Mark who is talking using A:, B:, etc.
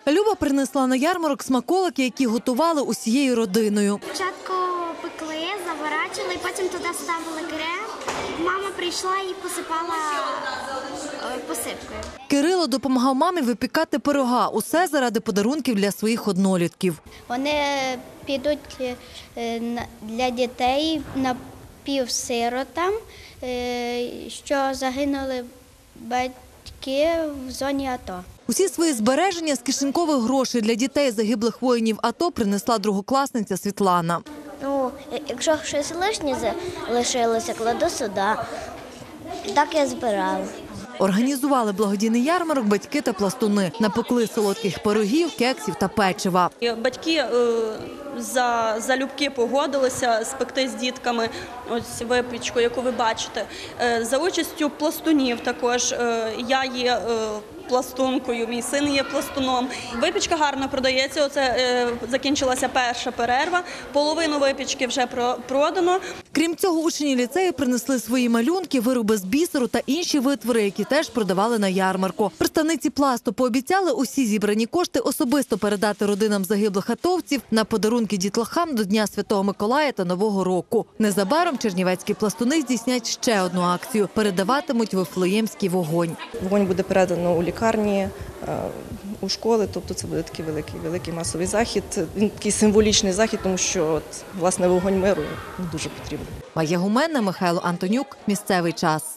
A: Люба принесла на ярмарок смаколики, які готували усією родиною.
B: Спочатку пекли, заворачували, потім туди ставили крем. Мама прийшла і посипала посипкою.
A: Кирило допомагав мамі випікати пирога. Усе заради подарунків для своїх однолітків.
C: Вони підуть для дітей напівсиротам, що загинули батьки в зоні АТО.
A: Усі свої збереження з кишенькових грошей для дітей загиблих воїнів АТО принесла другокласниця Світлана.
C: Ну, якщо щось лишнє лишилося, кладу сюди. Так я збирала.
A: Організували благодійний ярмарок батьки та напекли солодких пирогів, кексів та печива.
D: Батьки залюбки погодилися спекти з дітками ось випічку, яку ви бачите. За участю пластунів також. Я є пластункою, мій син є пластуном. Випічка гарно продається, оце закінчилася перша перерва, половину випічки вже продано.
A: Крім цього, учні ліцею принесли свої малюнки, вироби з бісеру та інші витвори, які теж продавали на ярмарку. Представниці пласту пообіцяли усі зібрані кошти особисто передати родинам загиблих атовців на подарунки дітлахам до Дня Святого Миколая та Нового року. Незабаром чернівецькі пластуни здійснять ще одну акцію – передаватимуть Вифлеємський вогонь.
E: Вогонь буде передано у лікарні, у школи, тобто це буде такий великий масовий захід. Він такий символічний захід, тому що, власне, вогонь миру дуже потрібен.
A: Майя Гуменна, Михайло Антонюк. Місцевий час.